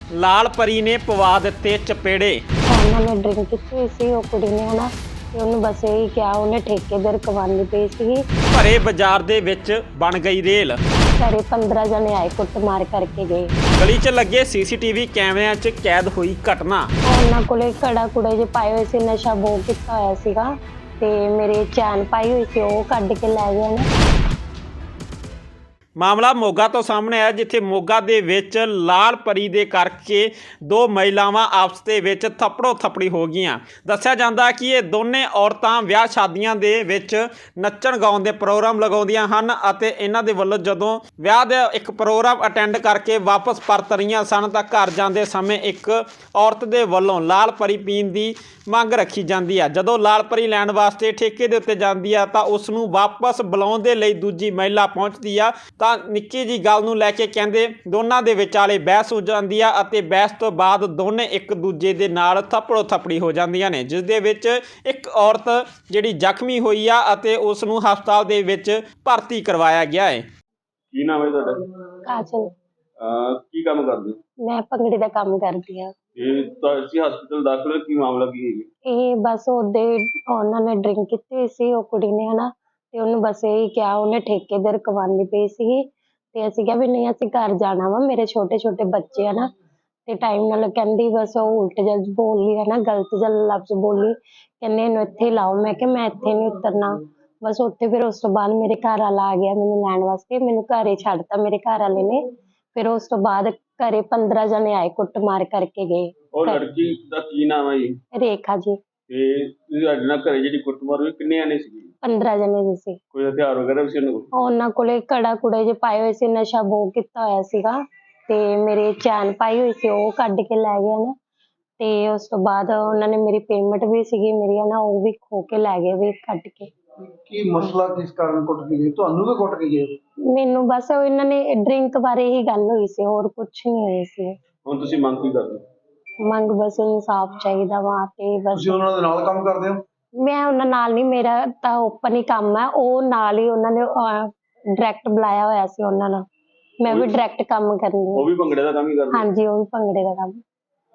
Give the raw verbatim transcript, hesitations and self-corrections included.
ਲਾਲ ਪਰੀ ਨੇ ਪਵਾ ਦਿੱਤੇ ਚਪੇੜੇ। ਉਹਨਾਂ ਨੇ ਡਰਿੰਕ ਕੀਤੀ ਹੋਈ ਸੀ ਉਹ ਕੁੜੀ ਨੇ ਹਨਾ ਤੇ ਉਹਨੂੰ ਬਸ ਇਹੀ ਕਿਹਾ, ਉਹਨੇ ਠੇਕੇਦਾਰ ਕਵਾਨੀ ਪਈ ਸੀਗੀ। ਭਰੇ ਬਾਜ਼ਾਰ ਦੇ ਵਿੱਚ ਬਣ ਗਈ ਰੇਲ। ਘਰੇ ਪੰਦਰਾਂ ਜਣੇ ਆਏ, ਕੁੱਟਮਾਰ ਕਰਕੇ ਗਏ। ਗਲੀ 'ਚ ਲੱਗੇ ਸੀਸੀਟੀਵੀ ਕੈਮਰਿਆਂ 'ਚ ਕੈਦ ਹੋਈ ਘਟਨਾ। ਉਹਨਾਂ ਕੋਲੇ ਕੜਾ ਕੁੜੇ ਜਿਹੇ ਪਾਏ ਹੋਏ ਸੀ, ਨਸ਼ਾ ਬਹੁਤ ਕੀਤਾ ਹੋਇਆ ਸੀਗਾ ਤੇ ਮੇਰੇ ਚੈਨ ਪਾਈ ਹੋਈ ਸੀ ਉਹ ਕੱਢ ਕੇ ਲੈ ਗਏ ਨੇ। ਮਾਮਲਾ ਮੋਗਾ ਤੋਂ ਸਾਹਮਣੇ ਆਇਆ, ਜਿੱਥੇ ਮੋਗਾ ਦੇ ਵਿੱਚ ਲਾਲ ਪਰੀ ਦੇ ਕਰਕੇ ਦੋ ਮਹਿਲਾਵਾਂ ਆਪਸ ਦੇ ਵਿੱਚ ਥੱਪੜੋ ਥੱਪੜੀ ਹੋ ਗਈਆਂ। ਦੱਸਿਆ ਜਾਂਦਾ ਕਿ ਇਹ ਦੋਨੇ ਔਰਤਾਂ ਵਿਆਹ ਸ਼ਾਦੀਆਂ ਦੇ ਵਿੱਚ ਨੱਚਣ ਗਾਉਣ ਦੇ ਪ੍ਰੋਗਰਾਮ ਲਗਾਉਂਦੀਆਂ ਹਨ ਅਤੇ ਇਹਨਾਂ ਦੇ ਵੱਲੋਂ ਜਦੋਂ ਵਿਆਹ ਦਾ ਇੱਕ ਪ੍ਰੋਗਰਾਮ ਅਟੈਂਡ ਕਰਕੇ ਵਾਪਸ ਪਰਤ ਰਹੀਆਂ ਸਨ ਤਾਂ ਘਰ ਜਾਂਦੇ ਸਮੇਂ ਇੱਕ ਔਰਤ ਦੇ ਵੱਲੋਂ ਲਾਲ ਪਰੀ ਪੀਣ ਦੀ ਮੰਗ ਰੱਖੀ ਜਾਂਦੀ ਆ। ਜਦੋਂ ਲਾਲ ਪਰੀ ਲੈਣ ਵਾਸਤੇ ਠੇਕੇ ਦੇ ਉੱਤੇ ਜਾਂਦੀ ਆ ਤਾਂ ਉਸ ਨੂੰ ਵਾਪਸ ਬੁਲਾਉਣ ਦੇ ਲਈ ਦੂਜੀ ਮਹਿਲਾ ਪਹੁੰਚਦੀ ਆ ਤਾਂ ਨਿੱਕੀ ਜੀ ਗੱਲ ਨੂੰ ਲੈ ਕੇ ਕਹਿੰਦੇ ਦੋਨਾਂ ਦੇ ਵਿਚਾਲੇ ਬਹਿਸ ਹੋ ਜਾਂਦੀ ਆ ਅਤੇ ਬਹਿਸ ਤੋਂ ਬਾਅਦ ਦੋਨੇ ਇੱਕ ਦੂਜੇ ਦੇ ਨਾਲ ਥੱਪੜੋ ਥੱਪੜੀ ਹੋ ਜਾਂਦੀਆਂ ਨੇ, ਜਿਸ ਦੇ ਵਿੱਚ ਇੱਕ ਔਰਤ ਜਿਹੜੀ ਜ਼ਖਮੀ ਹੋਈ ਆ ਅਤੇ ਉਸ ਨੂੰ ਹਸਪਤਾਲ ਦੇ ਵਿੱਚ ਭਰਤੀ ਕਰਵਾਇਆ ਗਿਆ ਹੈ। ਕੀ ਨਾਮ ਹੈ ਤੁਹਾਡਾ? ਕਾਜਲ। ਅਹ ਕੀ ਕੰਮ ਕਰਦੇ ਹੋ? ਮੈਂ ਭੰਗੜੇ ਦਾ ਕੰਮ ਕਰਦੀ ਆ। ਇਹ ਤੁਸੀਂ ਹਸਪੀਟਲ ਦਾਖਲ ਹੋ, ਕੀ ਮਾਮਲਾ ਕੀ ਹੈ? ਇਹ ਬਸ ਉਹਦੇ ਉਹਨਾਂ ਨੇ ਡਰਿੰਕ ਕੀਤੀ ਹੋਈ ਸੀ ਉਹ ਕੁੜੀ ਨੇ ਹਨਾ ਤੇ ਉਹਨੂੰ ਬਸ ਇਹੀ ਕਿਹਾ, ਉਹਨੇ ਠੇਕੇਦਾਰ ਕਵਾਨੀ ਪਈ ਸੀਗੀ ਤੇ ਅਸੀਂ ਕਿਹਾ ਵੀ ਨਹੀਂ ਅਸੀਂ ਘਰ ਜਾਣਾ ਵਾ, ਮੇਰੇ ਛੋਟੇ ਛੋਟੇ ਬੱਚੇ ਆ ਨਾ ਤੇ ਟਾਈਮ ਨਾਲ ਕਹਿੰਦੀ ਬਸ ਉਹ ਉਲਟ ਜਲ ਬੋਲੀ ਹੈ ਨਾ, ਗਲਤ ਜਲ ਲਫ਼ਜ਼ ਬੋਲੀ, ਕਹਿੰਦੇ ਇਹਨੂੰ ਇੱਥੇ ਲਾਓ। ਮੈਂ ਕਿਹਾ ਮੈਂ ਇੱਥੇ ਨਹੀਂ ਉਤਰਨਾ। ਬਸ ਉੱਥੇ ਫਿਰ ਉਸ ਤੋਂ ਬਾਅਦ ਮੇਰੇ ਘਰ ਵਾਲਾ ਆ ਗਿਆ ਮੈਨੂੰ ਲੈਣ ਵਾਸਤੇ, ਮੈਨੂੰ ਘਰੇ ਛੱਡਤਾ ਮੇਰੇ ਘਰ ਵਾਲੇ ਨੇ। ਫਿਰ ਉਸ ਤੋਂ ਬਾਅਦ ਘਰੇ ਪੰਦਰਾਂ ਜਣੇ ਆਏ, ਕੁੱਟਮਾਰ ਕਰਕੇ ਗਏ। ਉਹ ਲੜਕੀ ਦਾ ਕੀ ਨਾਮ ਹੈ ਜੀ? ਰੇਖਾ ਜੀ। ਤੇ ਤੁਸੀਂ ਸਾਡੇ ਨਾਲ ਘਰੇ ਜਿਹੜੀ ਕੁੱਟਮਾਰ ਹੋਈ ਕਿੰਨੇ ਆਨੇ ਸੀ? ਪੰਦਰਾਂ ਜਣੇ ਜੀ ਸੀ। ਕੋਈ ਹਥਿਆਰ ਵਗੈਰਾ ਵੀ ਸੀ ਉਹਨਾਂ ਕੋਲ? ਉਹਨਾਂ ਕੋਲੇ ਕੜਾ ਕੁੜੇ ਜਿਹੇ ਪਾਏ ਹੋਏ ਸੀ, ਨਸ਼ਾ ਬਹੁਤ ਕੀਤਾ ਹੋਇਆ ਸੀਗਾ ਤੇ ਮੇਰੇ ਚੈਨ ਪਾਈ ਹੋਈ ਸੀ ਉਹ ਕੱਢ ਕੇ ਲੈ ਗਏ ਨਾ। ਤੇ ਉਸ ਤੋਂ ਬਾਅਦ ਉਹਨਾਂ ਨੇ ਮੇਰੀ ਪੇਮੈਂਟ ਵੀ ਸੀਗੀ ਮੇਰੀ ਨਾ, ਉਹ ਵੀ ਖੋ ਕੇ ਲੈ ਗਏ ਵੀ ਕੱਢ ਕੇ। ਕੀ ਮਸਲਾ ਕਿਸ ਕਾਰਨ ਕੁੱਟ ਕੇ ਗਏ? ਤੁਹਾਨੂੰ ਵੀ ਕੁੱਟ ਕੇ ਗਏ? ਮੈਨੂੰ ਬਸ ਉਹ ਇਹਨਾਂ ਨੇ ਡਰਿੰਕ ਬਾਰੇ ਹੀ ਗੱਲ ਹੋਈ ਸੀ, ਹੋਰ ਕੁਝ ਨਹੀਂ ਹੋਈ ਸੀ। ਹੁਣ ਤੁਸੀਂ ਮੰਗ ਕੀ ਕਰਦੇ ਹੋ? ਮੰਗ ਬਸ ਇਨਸਾਫ ਚਾਹੀਦਾ ਵਾ ਤੇ ਬਸ। ਤੁਸੀਂ ਉਹਨਾਂ ਦੇ ਨਾਲ ਕੰਮ ਕਰਦੇ ਹੋ? ਮੈਂ ਉਹਨਾਂ ਨਾਲ ਨਹੀਂ, ਮੇਰਾ ਤਾਂ ਓਪਨ ਹੀ ਕੰਮ ਹੈ। ਉਹ ਨਾਲ ਹੀ ਉਹਨਾਂ ਨੇ ਡਾਇਰੈਕਟ ਬੁਲਾਇਆ ਹੋਇਆ ਸੀ ਉਹਨਾਂ ਨਾਲ, ਮੈਂ ਵੀ ਡਾਇਰੈਕਟ ਕੰਮ ਕਰਨੀ ਉਹ ਵੀ ਭੰਗੜੇ ਦਾ ਕੰਮ ਹੀ ਕਰਦੇ? ਹਾਂਜੀ, ਉਹ ਵੀ ਭੰਗੜੇ ਦਾ ਕੰਮ।